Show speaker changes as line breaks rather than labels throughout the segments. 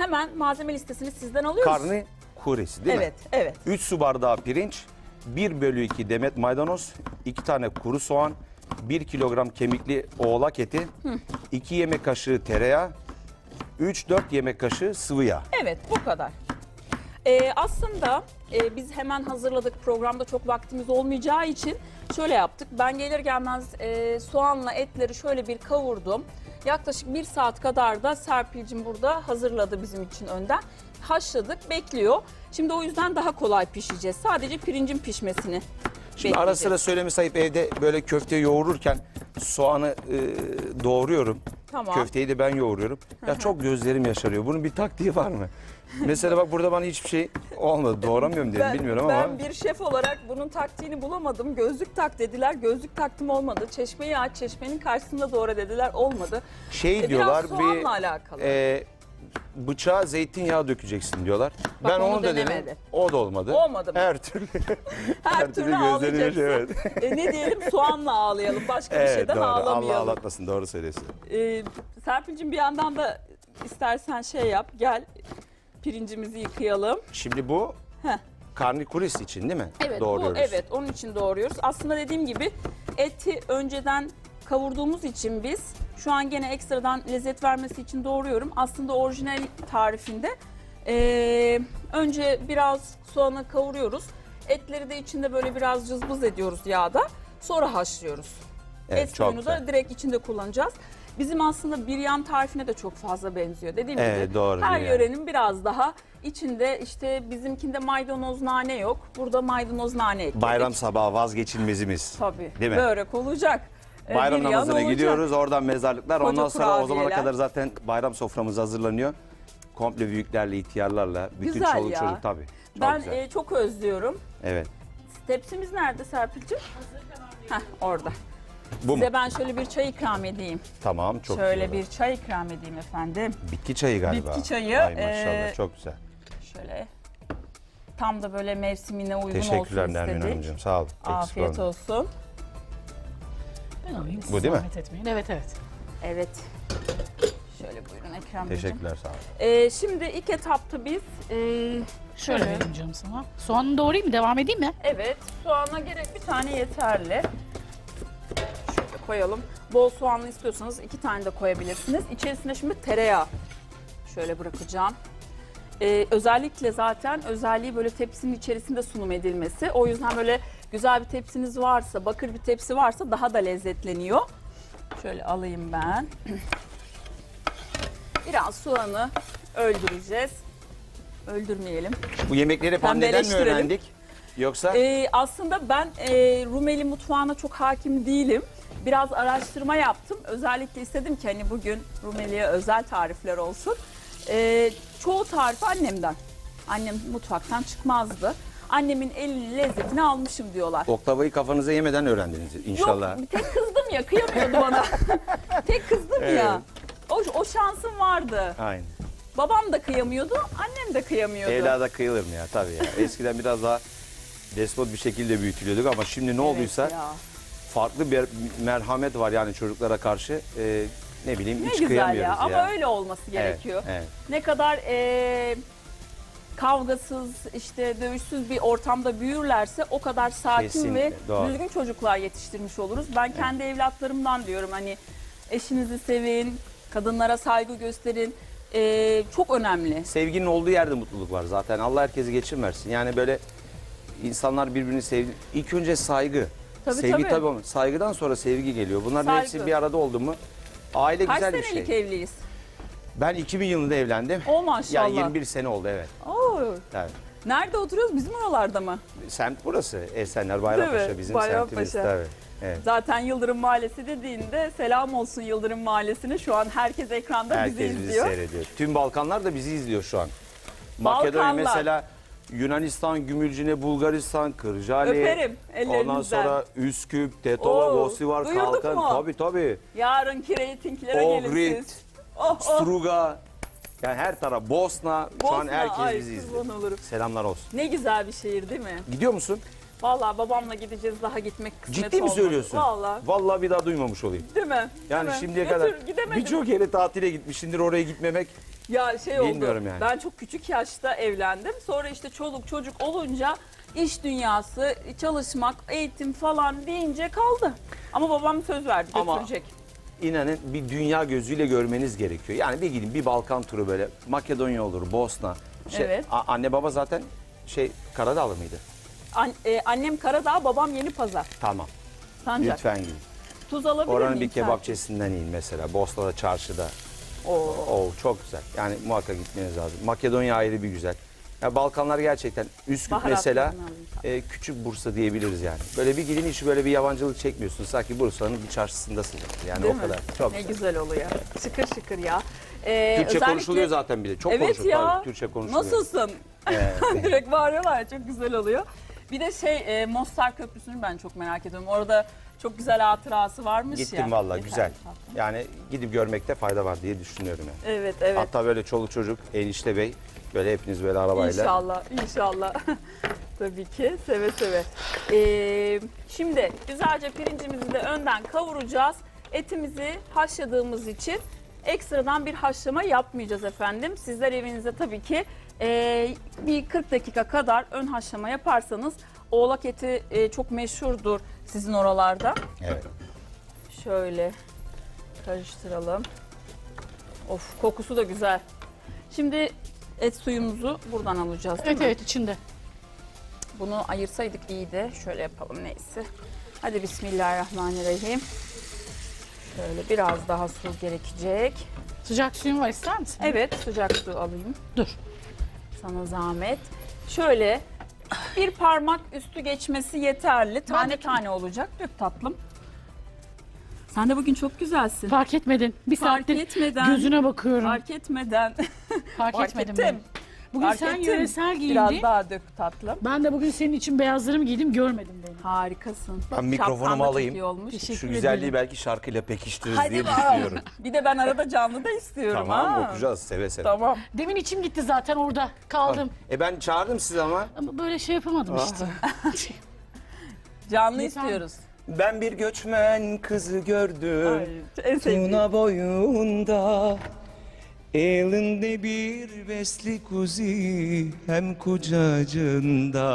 hemen malzeme listesini sizden alıyoruz.
Karni kuresi değil mi?
Evet, evet.
3 su bardağı pirinç, 1/2 demet maydanoz, 2 tane kuru soğan, 1 kilogram kemikli oğlak eti, 2 yemek kaşığı tereyağı, 3-4 yemek kaşığı sıvı yağ.
Evet, bu kadar. Aslında biz hemen hazırladık. Programda çok vaktimiz olmayacağı için şöyle yaptık. Ben gelir gelmez soğanla etleri şöyle bir kavurdum. Yaklaşık 1 saat kadar da Serpil'cim burada hazırladı bizim için önden. Haşladık, bekliyor. Şimdi o yüzden daha kolay pişeceğiz. Sadece pirincin pişmesini
Şimdi ara sıra söylemesi ayıp, evde böyle köfte yoğururken soğanı doğruyorum.
Tamam.
Köfteyi de ben yoğuruyorum. Ya çok gözlerim yaşarıyor. Bunun bir taktiği var mı? Mesela bak burada bana hiçbir şey olmadı. Doğramıyorum dedim, bilmiyorum ama.
Ben bir şef olarak bunun taktiğini bulamadım. Gözlük tak dediler. Gözlük taktım, olmadı. Çeşmeyi aç, çeşmenin karşısında doğra dediler. Olmadı.
Diyorlar
biraz soğanla alakalı.
Bıçağa zeytinyağı dökeceksin diyorlar.
Bak,
ben
onu
onu da denedim.
denemedi.
O da olmadı.
Olmadı mı?
Her türlü.
Her türlü ağlayacaksın.
evet.
Ne diyelim, soğanla ağlayalım. Başka bir şeyden
doğru. Allah
ağlamayalım.
ağlatmasın, doğru söylüyorsun.
Serpil'cim bir yandan da istersen şey yap. Gel pirincimizi yıkayalım.
Şimdi bu
Heh.
karnikuris için değil mi?
Evet,
Doğruyoruz.
evet, onun için doğruyoruz. Aslında dediğim gibi eti önceden kavurduğumuz için biz şu an gene ekstradan lezzet vermesi için doğruyorum. Aslında orijinal tarifinde önce biraz soğanı kavuruyoruz. Etleri de içinde böyle biraz cızbız ediyoruz yağda. Sonra haşlıyoruz.
Evet,
Et
çok
suyunu da
güzel.
direkt içinde kullanacağız. Bizim aslında biryan tarifine de çok fazla benziyor. Dediğim
Evet,
gibi
doğru,
her
biryan.
yörenin biraz daha içinde, işte bizimkinde maydanoz nane yok. Burada maydanoz nane ekledik.
Bayram sabahı vazgeçilmezimiz.
Tabii.
Değil mi?
Börek olacak.
Bayram
biryan
namazına
olacak.
gidiyoruz, oradan mezarlıklar.
Koca
Ondan sonra o zamana
kurabiyeler.
kadar zaten bayram soframız hazırlanıyor. Komple büyüklerle, ihtiyarlarla, bütün
Güzel
çoluk
ya.
çocuk tabii. Çok
Ben
güzel.
çok özlüyorum.
Evet.
Tepsimiz nerede Serpil'cim? Heh, orada.
Bu
Size
mu?
ben şöyle bir çay ikram edeyim.
Tamam, çok
Şöyle
güzel.
bir çay ikram edeyim efendim.
Bitki çayı galiba.
Bitki çayı,
Ay maşallah, çok güzel.
Şöyle tam da böyle mevsimine uygun olsun
Teşekkürler Nermin
istedik.
Hanımcığım, sağ olun. Eksik
Afiyet
olmayın.
olsun.
Ben alayım.
Bu değil mi?
Zahmet etmeyin. Evet, evet.
Evet. Şöyle buyurun Ekrem Beyciğim.
Teşekkürler, sağ olun.
Şimdi ilk etapta biz
Şöyle vereyim canım sana. Soğanını doğrayayım mı? Devam edeyim mi?
evet, soğana gerek bir tane yeterli. Şöyle koyalım. Bol soğanlı istiyorsanız 2 tane de koyabilirsiniz. İçerisine şimdi tereyağı şöyle bırakacağım. Özellikle zaten özelliği böyle tepsinin içerisinde sunum edilmesi. O yüzden böyle güzel bir tepsiniz varsa, bakır bir tepsi varsa daha da lezzetleniyor. Şöyle alayım ben. Biraz soğanı öldüreceğiz. Öldürmeyelim.
Bu yemekleri hep anneden mi
Pembeleştirelim.
öğrendik? Yoksa
Aslında ben Rumeli mutfağına çok hakim değilim. Biraz araştırma yaptım. Özellikle istedim ki hani bugün Rumeli'ye özel tarifler olsun. Çoğu tarifi annemden. Annem mutfaktan çıkmazdı. Annemin elinin lezzetini almışım diyorlar.
oklavayı kafanıza yemeden öğrendiniz inşallah.
Yok, tek kızdım ya, kıyamıyordu bana. Tek kızdım ya. O şansım vardı.
Aynen.
Babam da kıyamıyordu, annem de kıyamıyordu.
Evlada kıyılır mı ya? Tabii ya. Eskiden biraz daha despot bir şekilde büyütülüyorduk ama şimdi ne olduysa
Evet ya.
farklı bir merhamet var yani çocuklara karşı. Ne bileyim,
Ne
hiç
güzel
kıyamıyoruz
ya,
ya.
ama öyle olması gerekiyor.
Evet.
Ne kadar kavgasız, işte dövüşsüz bir ortamda büyürlerse o kadar sakin
Kesinlikle,
ve
doğru.
düzgün çocuklar yetiştirmiş oluruz. Ben kendi evlatlarımdan diyorum, hani eşinizi sevin, kadınlara saygı gösterin. Çok önemli.
Sevginin olduğu yerde mutluluk var zaten. Allah herkesi geçirmesin. Yani böyle insanlar birbirini sevdi. İlk önce saygı.
Tabii,
Sevgi
tabii.
tabii ama saygıdan sonra sevgi geliyor. Bunların
Saygı.
hepsi bir arada oldu mu aile
Kaç
güzel bir
senelik
şey.
evliyiz?
Ben 2000 yılında evlendim.
O maşallah.
Yani 21 sene oldu, evet.
Oo.
Evet.
Nerede oturuyoruz? Bizim oralarda mı?
Semt burası. Esenler Bayrampaşa
Değil mi?
bizim
Bayrampaşa.
semtimiz tabii. Evet.
Zaten Yıldırım Mahallesi dediğinde selam olsun Yıldırım Mahallesi'ne. Şu an herkes ekranda
Herkes
bizi
bizi
izliyor.
seyrediyor. Tüm Balkanlar da bizi izliyor şu an. Makedonya
Balkanlar.
mesela, Yunanistan, Gümülcine, Bulgaristan, Kırcaali.
Öperim ellerinizden.
Ondan sonra Üsküp, Tetova,
Oo,
Bosivar,
duyurduk
Kalkan.
mu?
Tabii.
Yarınki reytinglere gelin
Ohrid,
siz. Oh, oh.
Struga. Yani her taraf. Bosna. Şu an
Bosna,
herkes
ay,
bizi
kurban
izliyor.
olurum.
Selamlar olsun.
Ne güzel bir şehir değil mi?
Gidiyor musun?
Vallahi babamla gideceğiz, daha gitmek kısmet
Ciddi mi
olmadı.
söylüyorsun?
Vallahi.
Vallahi bir daha duymamış olayım.
Değil mi?
Yani
Değil mi?
şimdiye
Götür,
kadar
gidemedim.
birçok yere tatile gitmişsindir, oraya gitmemek
Ya şey oldu.
Bilmiyorum yani.
Ben çok küçük yaşta evlendim. Sonra işte çoluk çocuk olunca iş dünyası, çalışmak, eğitim falan deyince kaldı. Ama babam söz verdi,
Ama-
götürecek.
İnanın bir dünya gözüyle görmeniz gerekiyor. Yani bir gidin bir Balkan turu böyle Makedonya olur, Bosna.
Evet.
Anne baba zaten Karadağlı mıydı?
Annem Karadağ, babam Yenipazar.
Tamam.
Sancak.
Lütfen gidin.
Tuz alabilir
Oranın
miyim?
bir kebapçesinden yiyin mesela. Bosna'da, çarşıda.
Oo.
Oo, çok güzel. Yani muhakkak gitmeniz lazım. Makedonya ayrı bir güzel. Ya Balkanlar gerçekten Üsküp
Baharatlarını
mesela
alayım.
küçük Bursa diyebiliriz yani. Böyle bir gidin hiç böyle bir yabancılık çekmiyorsunuz. Sanki Bursa'nın bir çarşısındasınız. Yani
Değil
o
mi?
kadar. Çok
Ne
güzel.
güzel oluyor. Şıkır şıkır ya.
Türkçe
Özellikle-
konuşuluyor zaten bir de. Çok
Evet
konuşuluyor.
ya.
Tabii, Türkçe konuşuluyor.
Nasılsın?
Evet.
Direkt bağırıyorlar ya, çok güzel oluyor. Bir de Mostar Köprüsü'nü ben çok merak ediyorum. Orada çok güzel hatırası varmış ya.
Gittim vallahi
Yeter.
güzel. Yani gidip görmekte fayda var diye düşünüyorum yani.
Evet evet.
Hatta böyle çoluk çocuk, enişte bey böyle hepiniz böyle arabayla.
İnşallah, inşallah. Tabii ki, seve seve. Şimdi güzelce pirincimizi de önden kavuracağız. Etimizi haşladığımız için ekstradan bir haşlama yapmayacağız efendim. Sizler evinizde tabii ki bir 40 dakika kadar ön haşlama yaparsanız oğlak eti çok meşhurdur sizin oralarda.
Evet.
Şöyle karıştıralım. Of, kokusu da güzel. Şimdi et suyumuzu buradan alacağız değil
Evet
mi?
evet içinde.
Bunu ayırsaydık iyiydi. Şöyle yapalım neyse. Hadi bismillahirrahmanirrahim. Şöyle biraz daha su gerekecek.
Sıcak suyun var, ister misin?
Evet, sıcak su alayım.
Dur.
Sana zahmet. Şöyle bir parmak üstü geçmesi yeterli. Tane tane olacak. Dök tatlım. Sen de bugün çok güzelsin.
Fark etmedin. Bir
Fark
saattir
etmeden.
gözüne bakıyorum.
Fark etmeden.
Fark etmedim
ettim.
ben. Bugün
Fark
sen
ettim.
yöresel giyindin.
Biraz daha dök tatlım.
Ben de bugün senin için beyazlarımı giydim, görmedim beni.
Harikasın.
Ben mikrofonumu
Şapkan da çok
alayım.
iyi olmuş.
Teşekkür
Şu
ederim.
güzelliği belki şarkıyla pekiştiririz
Hadi
diye
bakalım.
düşünüyorum.
Bir de ben arada canlı da istiyorum.
Tamam
ha.
okuyacağız seve seve.
Tamam.
Demin içim gitti zaten, orada kaldım.
Ben çağırdım sizi ama.
Ama böyle şey yapamadım işte.
Canlı
Lütfen.
istiyoruz.
Ben bir göçmen kızı gördüm.
Ay, en sevdiğim.
Tuna boyunda. Elinde bir besli kuzi hem kucacında.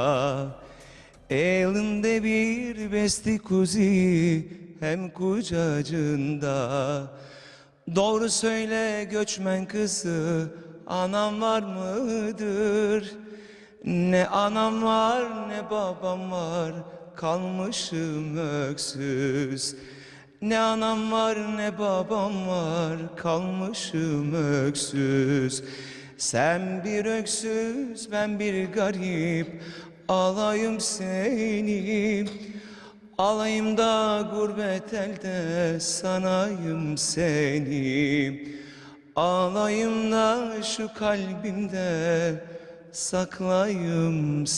Elinde bir besli kuzi hem kucacında. Doğru söyle göçmen kızı, anam var mıdır? Ne anam var ne babam var, kalmışım öksüz. Ne anam var ne babam var, kalmışım öksüz. Sen bir öksüz, ben bir garip, alayım seni. Alayım da gurbet elde, sanayım seni. Alayım da şu kalbimde, saklayım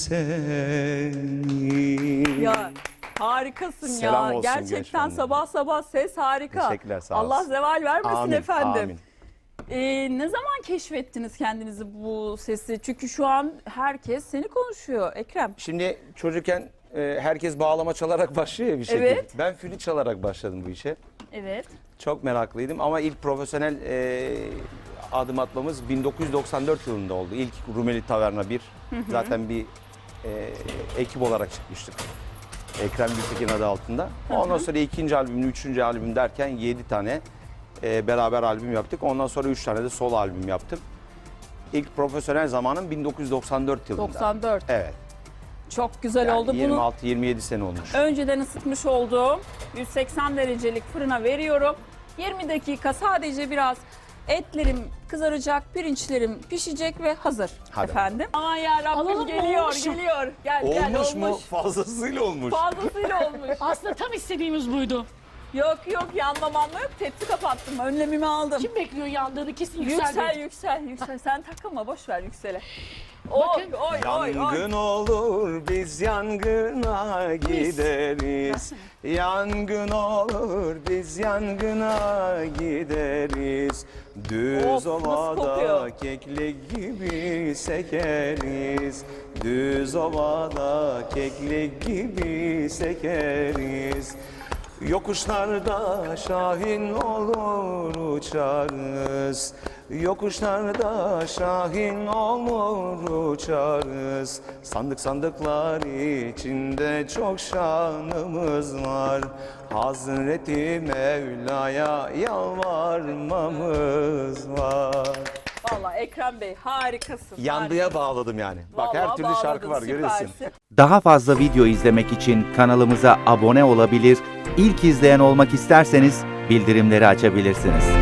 seni.
Ya harikasın
Selam
ya.
olsun
Gerçekten
gençler.
sabah sabah ses harika.
Teşekkürler, sağ
Allah
olasın.
zeval vermesin
Amin,
efendim.
amin.
Ne zaman keşfettiniz kendinizi bu sesi? Çünkü şu an herkes seni konuşuyor Ekrem.
Şimdi çocukken herkes bağlama çalarak başlıyor ya bir şekilde.
Evet.
Ben flüt çalarak başladım bu işe.
Evet.
Çok meraklıydım ama ilk profesyonel adım atmamız 1994 yılında oldu. İlk Rumeli Taverna 1. Zaten bir ekip olarak çıkmıştık. Ekrem Gültekin adı altında. Ondan sonra ikinci albüm, üçüncü albüm derken 7 tane beraber albüm yaptık. Ondan sonra 3 tane de solo albüm yaptım. İlk profesyonel zamanım 1994 yılında.
94.
Evet.
Çok güzel
Yani
oldu. Bunu
26-27 sene olmuş.
önceden ısıtmış olduğum 180 derecelik fırına veriyorum. 20 dakika sadece biraz etlerim kızaracak, pirinçlerim pişecek ve hazır
Hadi.
efendim. Aman ya Rabbim
Alalım mı?
geliyor,
Olmuş mu?
geliyor. Gel
Olmuş mu?
olmuş.
Fazlasıyla olmuş.
Fazlasıyla olmuş.
Aslında tam istediğimiz buydu.
Yok yok yanmamanla yok. Tepsi kapattım. Önlemimi aldım.
Kim bekliyor yandığını, kesin
Yüksel
yüksel.
yüksel. Sen takılma boş ver yüksele. Oy
Bakın.
oy oy
Yangın
oy.
olur biz yangına gideriz. Yangın olur biz yangına gideriz. Düz
Of, nasıl
ovada
kokuyor?
keklik gibi sekeriz. Düz ovada keklik gibi sekeriz. Yokuşlarda şahin olur uçarız. Yokuşlarda şahin olur uçarız. Sandık sandıklar içinde çok şanımız var. Hazreti Mevla'ya yalvarmamız var.
Vallahi Ekrem Bey harikasın.
Yandıya bağladım yani. Bak her
Vallahi
türlü şarkı
bağladın,
var, görüyorsun.
süpersin.
Daha fazla video izlemek için kanalımıza abone olabilir, ilk izleyen olmak isterseniz bildirimleri açabilirsiniz.